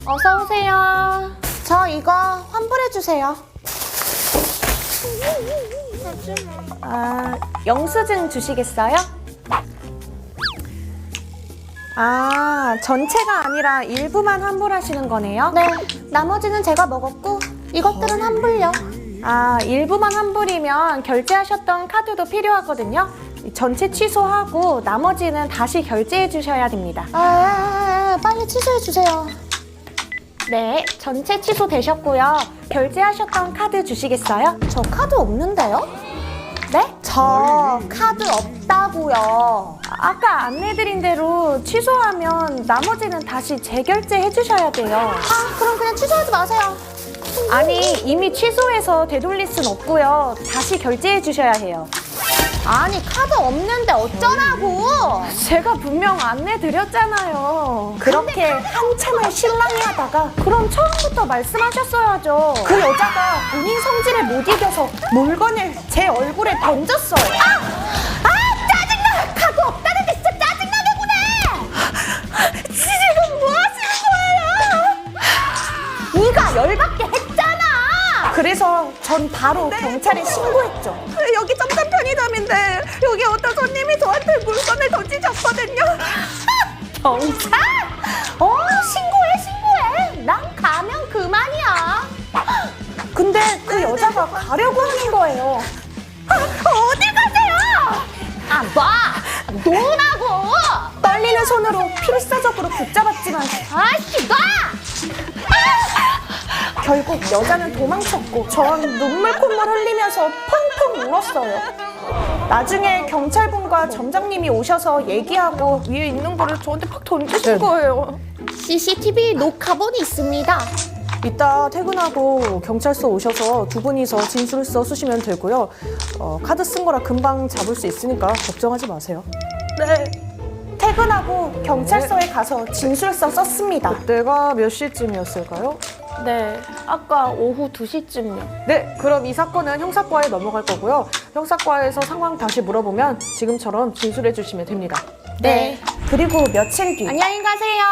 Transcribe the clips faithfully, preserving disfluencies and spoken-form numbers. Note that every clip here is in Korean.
어서 오세요. 저 이거 환불해주세요. 아, 영수증 주시겠어요? 아, 전체가 아니라 일부만 환불하시는 거네요? 네, 나머지는 제가 먹었고 이것들은 환불요. 아, 일부만 환불이면 결제하셨던 카드도 필요하거든요. 전체 취소하고 나머지는 다시 결제해 주셔야 됩니다. 아, 빨리 취소해 주세요. 네, 전체 취소되셨고요. 결제하셨던 카드 주시겠어요? 저 카드 없는데요? 네? 저 카드 없다고요. 아까 안내드린 대로 취소하면 나머지는 다시 재결제해 주셔야 돼요. 아, 그럼 그냥 취소하지 마세요. 아니, 이미 취소해서 되돌릴 순 없고요. 다시 결제해 주셔야 해요. 아니, 카드 없는데 어쩌라고? 제가 분명 안내 드렸잖아요. 그렇게 한참을 실랑이하다가 그럼 처음부터 말씀하셨어야죠. 그 여자가 본인 성질에 못 이겨서 물건을 제 얼굴에 던졌어요. 아! 아! 짜증나! 카드 없다는데 진짜 짜증나게 구네! 지금 뭐 하시는 거예요? 네가 열받게 했잖아! 그래서 전 바로 경찰에 신고했죠. 여기 점점 편의점인데 여기 어떤 손님이 저한테 물건을 던지셨거든요. 경찰? 어, 신고해, 신고해. 난 가면 그만이야. 근데 그 여자가 가려고 하는 거예요. 아, 어디 가세요? 아, 놔! 놓으라고! 떨리는 손으로 필사적으로 붙잡았지만 아씨, 놔! 결국 여자는 도망쳤고 전 눈물 콧물 흘리면서 펑펑 울었어요. 나중에 경찰분과 점장님이 오셔서 얘기하고 위에 있는 거를 저한테 팍 던지신 거예요. 씨씨티비 녹화본이 있습니다. 이따 퇴근하고 경찰서 오셔서 두 분이서 진술서 쓰시면 되고요. 어, 카드 쓴 거라 금방 잡을 수 있으니까 걱정하지 마세요. 네. 퇴근하고 경찰서에 가서 진술서 썼습니다. 그때가 몇 시쯤이었을까요? 네, 아까 오후 두 시쯤요. 네, 그럼 이 사건은 형사과에 넘어갈 거고요. 형사과에서 상황 다시 물어보면 지금처럼 진술해 주시면 됩니다. 네. 그리고 며칠 뒤. 안녕히 가세요.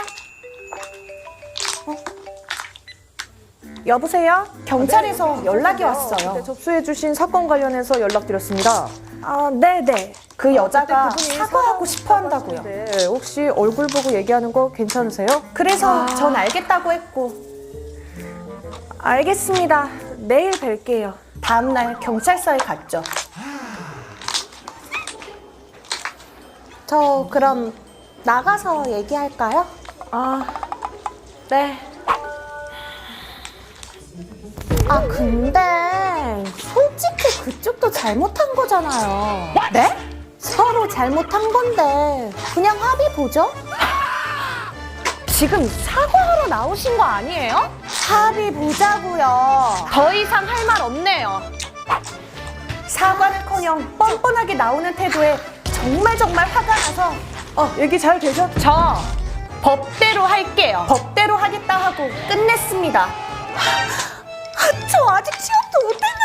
여보세요? 경찰에서 네, 연락이 그때 왔어요. 접수해 주신 사건 관련해서 연락드렸습니다. 아, 네네. 그 여자가 그때 그분이 사과하고 싶어 한다고요. 네, 혹시 얼굴 보고 얘기하는 거 괜찮으세요? 그래서 아. 전 알겠다고 했고. 알겠습니다. 내일 뵐게요. 다음날 경찰서에 갔죠. 저 그럼 나가서 얘기할까요? 아, 네. 아, 근데 솔직히 그쪽도 잘못한 거잖아요. 네? 서로 잘못한 건데 그냥 합의 보죠? 지금 사과하러 나오신 거 아니에요? 합의 보자고요. 더 이상 할 말 없네요. 사과는커녕 뻔뻔하게 나오는 태도에 정말 정말 화가 나서 어, 얘기 잘 되죠? 저 법대로 할게요. 법대로 하겠다 하고 끝냈습니다. 저 아직 취업도 못했는데.